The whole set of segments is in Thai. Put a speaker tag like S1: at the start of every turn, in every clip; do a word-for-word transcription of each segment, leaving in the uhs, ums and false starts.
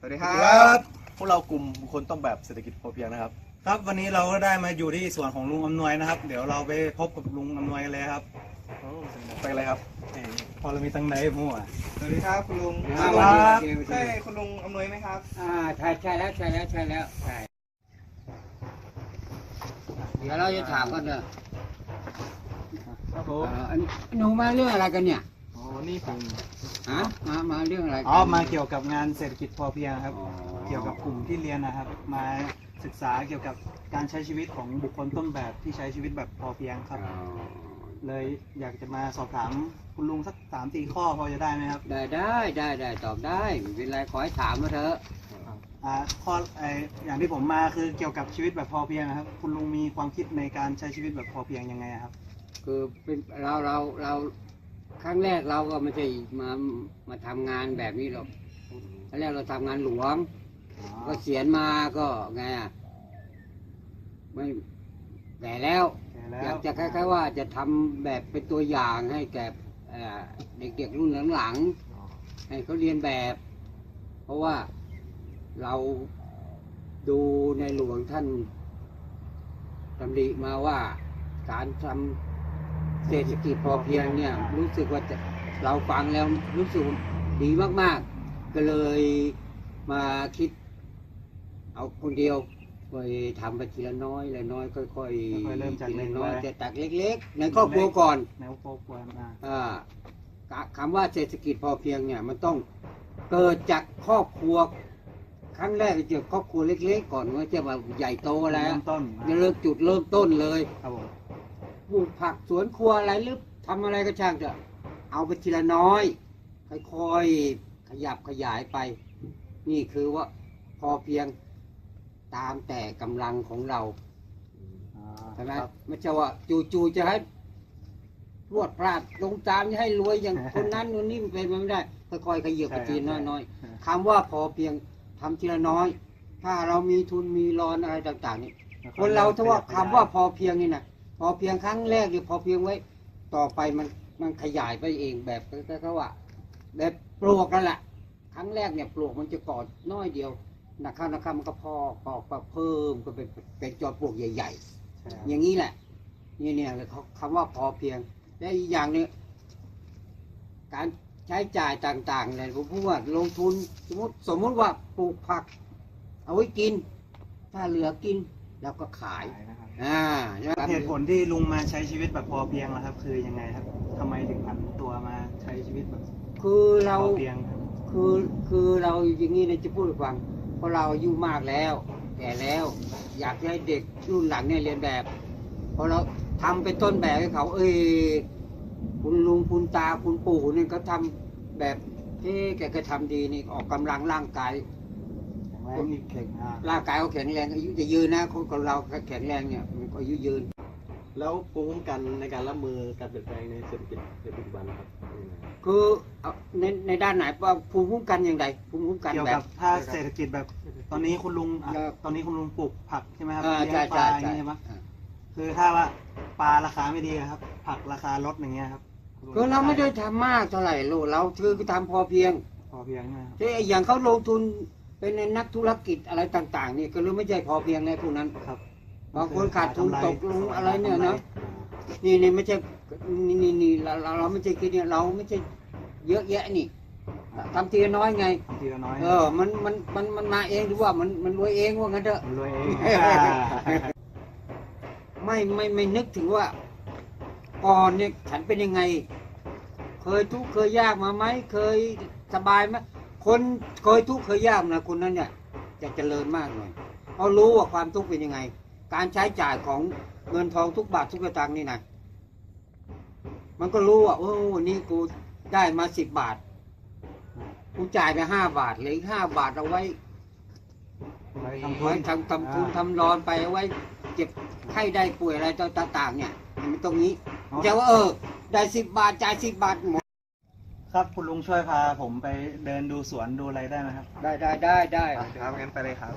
S1: สวัสดีครับพวกเรากลุ่มบุคคลต้นแบบเศรษฐกิจพอเพียงนะครับ
S2: ครับวันนี้เราก็ได้มาอยู่ที่สวนของลุงอำนวยนะครับเดี๋ยวเราไปพบกับลุงอำนวยกันเลยครับ
S1: ไปเลยครับ
S2: พอเรามีตังไหนมั่ว
S1: สวัสดีครับคุณลุง
S2: ครับ
S1: ใช่คุณลุงอำนวยไหมครับ
S3: อ่าใช่ใช่แล้วใช่แล้วใช่แล้วใช่เดี๋ยวเราจะถามกันเนอะ
S1: ครับผม
S3: อ่าอันหนูมาเรื่องอะไรกันเนี่ย
S1: อ๋อนี่ผม
S3: ฮะมามาเรื่องอะไรกัน
S2: อ๋อมาเกี่ยวกับงานเศรษฐกิจพอเพียงครับ
S3: อ๋อ
S2: เกี่ยวกับกลุ่มที่เรียนนะครับ มาศึกษาเกี่ยวกับการใช้ชีวิตของบุคคลต้นแบบที่ใช้ชีวิตแบบพอเพียงครับ
S3: อ๋อ
S2: เลยอยากจะมาสอบถามคุณลุงสักสามสี่ข้อพอจะได้ไหมครับ
S3: ได้ได้ได้ได้ตอบได้ไม่เป็นไรขอให้ถามมาเถอะ
S2: อ่าข้อไออย่างที่ผมมาคือเกี่ยวกับชีวิตแบบพอเพียงนะครับ คุณลุงมีความคิดในการใช้ชีวิตแบบพอเพียงยังไงครับ
S3: คือเป็นเราเราเราครั้งแรกเราก็ไม่ใช่มามาทำงานแบบนี้หรอกครั้งแรกเราทำงานหลวง ก็เสียนมาก็ไงอ่ะไม่แก่แล้ว อยากจะคล้ายๆว่าจะทำแบบเป็นตัวอย่างให้แก่เอ่อเด็กๆรุ่นหลังๆให้เขาเรียนแบบ เพราะว่าเราดูในหลวงท่านดำริมาว่าการทำเศรษฐกิจพอเพียงเนี่ยรู้สึกว่าจะเราฟังแล้วรู้สึกดีมากๆ ก็เลยมาคิดเอาคนเดียวไปทำไปทีละน้อยละน้อยค่อยๆ
S2: ค่อยๆเริ่มจาก
S3: ที
S2: เล็
S3: ละ
S2: ก
S3: น้อย
S2: ไว้
S3: แต่ตักเล็กๆ ในครอบครัวก่อน
S2: แนวครอบครัวนะ
S3: อ่าคำว่าเศรษฐกิจพอเพียงเนี่ยมันต้องเกิดจากครอบครัวครั้งแรกจะครอบครัวเล็กๆก่อนว่าจะมาใหญ่โตแล้ว
S2: เริ่มต้น
S3: จะเริ่มจุดเริ่มต้นเลย
S2: ครับผม
S3: ปลูกผักสวนครัวอะไรหรือทำอะไรก็ช่างเถอะเอาไปทีละน้อยค่อยๆขยับขยายไป นี่คือว่าพอเพียงตามแต่กำลังของเรา
S2: อ่า
S3: ใช่ไหม
S2: ครับ
S3: ไม่ใช่ว่าจู่ๆจะให้รวดพลาดลงตามจะให้รวยอย่าง คนนั้นคนนี้มันเป็นไปไม่ได้ค่อยๆขยับไปทีละน้อยๆคำว่าพอเพียงทำทีละน้อย ถ้าเรามีทุนมีรอนอะไรต่างๆนี่คนเราถ้าว่าคำว่าพอเพียงนี่นะพอเพียงครั้งแรกหรือพอเพียงไว้ ต่อไปมันมันขยายไปเองแบบก็ว่าแบบปลวกนั่นแหละครั้งแรกเนี่ยปลวกมันจะกอดน้อยเดียวนะครับนะครับมันก็พอกออกเพิ่มก็เป็นเป็นจอปลวกใหญ่ ๆ
S2: ใช่ครับ
S3: อย่างนี้แหละนี่เนี่ยเขาคำว่าพอเพียงและอีกอย่างหนึงการใช้จ่ายต่างๆเนี่ยผมพูดว่าลงทุนสมมติสมมติว่าปลูกผัก เอาไว้กิน ถ้าเหลือกินแล้วก็ขาย
S2: ขายนะครับ
S3: อ่า
S2: เหตุผลที่ลุงมาใช้ชีวิตแบบพอเพียงนะครับ คือยังไงครับทำไมถึงผันตัวมาใช้ชีวิตแบบ
S3: คือเรา
S2: พอเพียงครับ
S3: คือคือเราอย่างนี้นะจะพูดให้ฟังเพราะเราอายุมากแล้วแก่แล้ว อยากให้เด็กรุ่นหลังเนี่ยเรียนแบบพอเราทำเป็นต้นแบบให้เขา เอ้ยคุณลุงคุณตาคุณปู่เนี่ยเขาทำแบบเฮ้แกก็ทำดีนี่ออกกำลังร่างกาย
S2: แข็งแรงนี่เก่งอ่า
S3: ร่างกายเขาแข็งแรงอายุจะยืนนะคนของเราแข็งแรงเนี่ยมันก็อายุยืน
S1: แล้วภูมิคุ้มกันในการรับมือการเปลี่ยนแปลงในเศรษฐกิจในปัจจุบันครับ
S3: คือเอาในในด้านไหนว่าภูมิคุ้มกันอย่างไรภูมิคุ้มกัน
S2: เกี่ยว
S3: แบ
S2: กับบ ถ้าเศรษฐกิจแบบ ตอนนี้คุณลุงอ่ะ
S3: ครับ
S2: ตอนนี้คุณลุงปลูกผักใช่ไหมครับ
S3: อ่า
S2: เลี้ยง
S3: ใช่
S2: ป
S3: ใช่
S2: ลาอย่าง
S3: ใช่
S2: นี้ใช่ไหม
S3: อ่า
S2: คือถ้าว่าปลาราคาไม่ดีครับ ผักราคาลดอย่างเงี้ยครับณลุง
S3: คือเราไม่ได้ทำมากเท่าไหร่ลูกเราคือทำพอเพียง
S2: พอเพียงนะครับ
S3: ที่อย่างเขาลงทุนเป็นในนักธุรกิจอะไรต่างๆนี่ก็รู้ไม่ใช่พอเพียงในพวกนั้น
S2: ครับ
S3: บางคนขาดทุนตกลงอะไรเนี่ยนะนี่นี่ไม่ใช่นี่นี่นี่เราเราเราไม่ใช่คิดเนี่ยเราไม่ใช่เยอะแยะนี่ทำทีละน้อยไง
S2: ทำทีละน้อย
S3: เออมันมันมันมันมาเองหรือว่ามันมันรวยเองว่างั้นเถอะ
S2: มันรวยเอง
S3: ไม่ไม่ไม่นึกถึงว่าก่อนเนี่ยฉันเป็นยังไง เคยทุกข์เคยยากมาไหมเคยสบายไหมคนเคยทุกข์เคยยากนะคนนั้นเนี่ยจะเจริญมากหน่อยเขารู้ว่าความทุกข์เป็นยังไง การใช้จ่ายของเงินทองทุกบาททุกสตางค์นี่นะมันก็รู้ว่าโอ้วันนี้กูได้มาสิบบาทกูจ่ายไปห้าบาทเหลืออีกห้าบาทเอาไว้
S2: ไว้ทำทุ
S3: ไว้
S2: น
S3: ทำทำทุนทำรอนไปเอาไว้เจ็บไข้ได้ป่วยอะไรต่างๆเนี่ยมันตรงนี้จะว่าเออได้สิบบาทจ่ายสิบบาทหมด
S2: ครับคุณลุงช่วยพาผมไปเดินดูสวนดูอะไรได้ไหมครับ
S3: ได้ได้ได้ได้
S1: ครับงั้นไปเลยครับ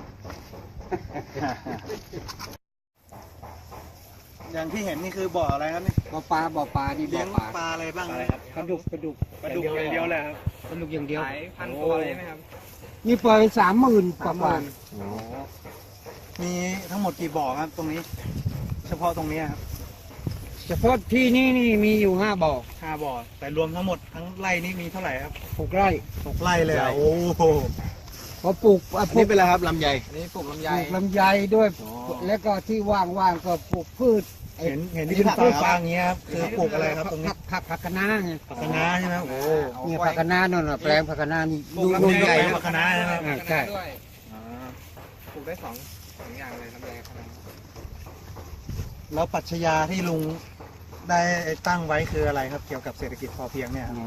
S2: อย่างที่เห็นนี่คือบ่ออะไรครับนี่
S3: บ่อปลาบ่อปลานี่บ่
S2: เลี้
S3: อย
S2: ง
S3: ปลา
S2: ปลาอะไรบ้าง
S1: อะไรครับ
S3: ปลาดุกปลาดุก
S1: ปลาดุกอย่างเดียวเลยครับ
S3: ปลาดุกอย่างเดียว
S1: ขายพันตัวเลยไหมครับ
S3: ปนี่เปิดสามหมื่นกว่า
S2: มีทั้งหมดกี่บ่อครับตรงนี้ เฉพาะตรงนี้ครับ
S3: เฉพาะที่นี่นี่มีอยู่ห้าบ่อ
S2: ห้าบ่อแต่รวมทั้งหมดทั้งไร่นี่มีเท่าไหร่ครับ
S3: หกไร่
S2: หกไร่เลยอ่ะโอ้โห
S3: พอปลูกอ่ะ
S1: อัน
S3: ปลู
S1: นี้
S3: ก
S1: เป็นอะไรครับลำไย
S4: อันนี้ปลูกลำ
S3: ป
S4: ไย
S3: ลูกลำไยด้วย
S1: อ๋อ
S3: แล้วก็ที่ว่างๆก็ปลูกพืชไอ้
S2: เห็นเห็นที่เป็นฝาฟางอย่างเงี้ยครับคือปลูกอะไรครับตรงนี้
S3: ผักผักผักคะน้าไง
S2: ผักคะน้าใช่ไหมโอ้โห
S3: เนี่ยผักคะน้านั่นน่ะแปลงผักคะน้านี่
S4: ปลูก
S3: ดู
S4: ลำ
S3: ดู
S4: ไย
S2: แปลง
S3: ดู
S2: ผักคะน้าใช่ไหม
S3: อ่าใช่
S4: ด้วย
S2: อ่า
S4: ปลูกได้สองสองอย่างเลยลำไยกับคะน้า
S2: แล้วปรัชญาที่ลุงได้ตั้งไว้คืออะไรครับ เกี่ยวกับเศรษฐกิจพอเพียงเนี่ยครับ
S3: อ๋อ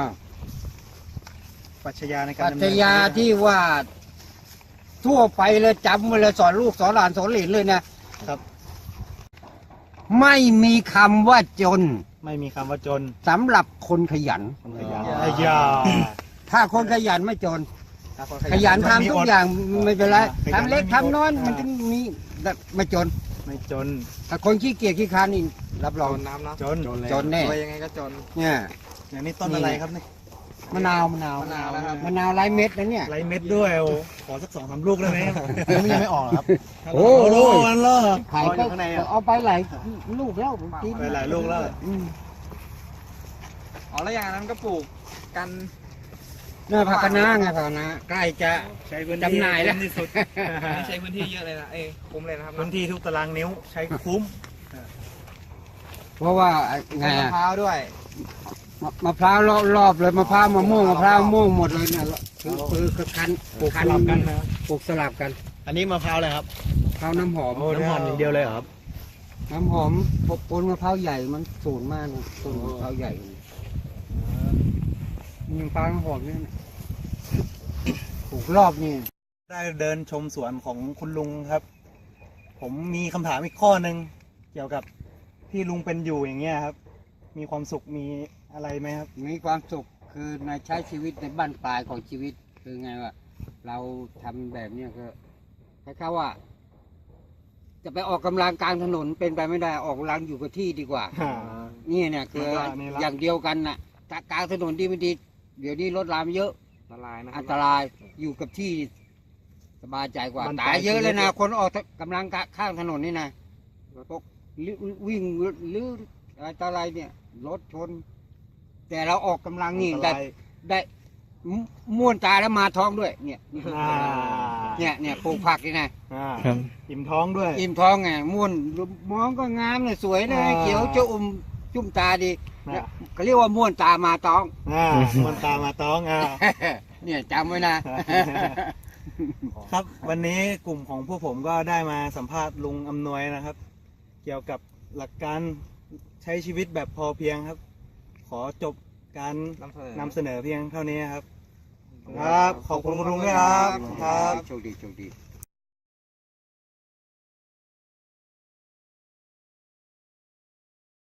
S2: ปรัชญาในการ
S3: ปรั
S2: ดำ
S3: ช
S2: เนิน
S3: ญาที่ว่าทั่วไปเลยจำไว้เลยสอนลูกสอนหลานสอนเหลนเลยนะครับ ไม่มีคำว่าจน
S2: ไม่มีคำว่าจน
S3: สำหรับคนขยัน
S2: คนขยันไอ้ยา
S3: ถ้าคนขยันไม่จน
S2: ถ้าค
S3: ขยันทำทุกอย่างไม่เป็นไร
S2: ขยัน
S3: ทำเล็ก
S2: ไม่มีอด
S3: ทำน้อย
S2: อ่ามั
S3: มันจะมีแบบไม่จน
S2: ไม่จน
S3: ถ้าคนขี้เกียจขี้ค้านนี่รับร
S4: จ
S3: อง
S4: นน้ำเนาะ
S2: จน
S3: จนแน่
S4: รวยยังไงก็จน
S3: เนี่ย
S2: อย่างนี้ต้นอะไรครับเนี่ย
S3: มะนาวมะนาว
S4: มะนาวนะครับ
S3: มะนาวไร้เม็ดนะเนี่ย
S2: ไรเม็ดด้วยโอ้ขอสักสองสามลูกได้ไหมครับ
S1: มันยังไม่ออกครับ
S3: โอ้
S2: โอ้
S3: โห
S2: โหมันเหรอ
S3: ขาย
S2: อ
S3: ก็
S2: ยู่ข้างในอ่ะ
S3: เอาไปหลายลูกแล้วผมกิน
S2: ไปหลายลูกแล้ว
S3: อืม
S4: อ๋อแล้วอย่างนั้นก็ปลูกกัน
S3: เนี่ยผักคะน้าไงผักคะน้าใกล้จะ
S2: ใช้พื้นที่
S3: จำหน่ายแล้ว
S2: ที่สุด
S4: ไม่ใช้พื้นที่เยอะเลยนะเอ้ยคุ้มเลยนะครับ
S2: พื้นที่ทุกตารางนิ้วใช้คุ้ม
S3: เพราะว่าไง
S4: มะ
S3: อะ
S4: พร้าวด้วย
S3: มะมะพร้าวรอบๆเลยมะพร้าวมะม่วงมะพร้าวมะม่วงหมดเลยเนี่ยคือคือคือคัน
S2: ปลูกสลับกันนะ
S3: ปลูกสลับกัน
S1: อันนี้มะพร้าวอะไรครับ
S3: มะพร้าวน้ำหอม
S2: โอ้
S1: น้ำหอมอย่างเดียวเลยเหรอครับ
S3: น้ำหอมปนมะพร้าวใหญ่มันสูงมากนะต้นมะพร้าวใหญ่มีมะพร้าวน้ำหอมนี่นะปลูกรอบนี่
S2: ได้เดินชมสวนของคุณลุงครับ ผมมีคำถามอีกข้อหนึ่งเกี่ยวกับที่ลุงเป็นอยู่อย่างเงี้ยครับ มีความสุขมีอะไรไหมครับ
S3: มีความสุขคือในใช้ชีวิตในบ้านปลายของชีวิตคือไงว่าเราทำแบบเนี้ยก็คล้ายๆว่า จะไปออกกำลังกลางถนนเป็นไปไม่ได้ออกกำลังอยู่กับที่ดีกว่า นี่เนี่ยคือ
S2: มันก็นี่ละ
S3: อย่างเดียวกันน่ะถ้ากลางถนนดีไม่ดี เดี๋ยวนี้รถรามเยอะ
S4: ละลายนะครั
S3: อั
S4: บ
S3: นตรายอยู่กับที่สบายใจกว่า
S2: มัน
S3: ตายเยอะเลยนะ
S2: ตายชีวิต
S3: คนออกกำลังข้างถนนนี่นะพวกวิ่งหรืออะไรต่ออะไรเนี่ยรถชน แต่เราออกกำลังนี่
S2: อันต
S3: ได้
S2: ราย
S3: ได้ม่วนตาแล้วมาท้องด้วย เนี่ย
S2: อ่า
S3: เนี่ยเนี่ยปลูกผักนี่นะ
S2: อ่าอิ่มท้องด้วย
S3: อิ่มท้องไงม่วนมองก็งามเลยสวยเลย
S2: อ่า
S3: เขียวจะอุ่มจุ่มตาดี
S2: อ่า
S3: เขาเรียกว่าม่วนตามาท้อง
S2: อ่ามันตามมาท้องอ่า
S3: เนี่ยจำไว้นะ
S2: ครับวันนี้กลุ่มของพวกผมก็ได้มาสัมภาษณ์ลุงอำนวยนะครับ เกี่ยวกับหลักการใช้ชีวิตแบบพอเพียงครับ ขอจบการ
S4: นำเสนอ
S2: นำเสนอเพียงเท่านี้ครับ ครับ ขอบคุณคุณลุงด้วยครับครับ
S3: โชคดีโชคดี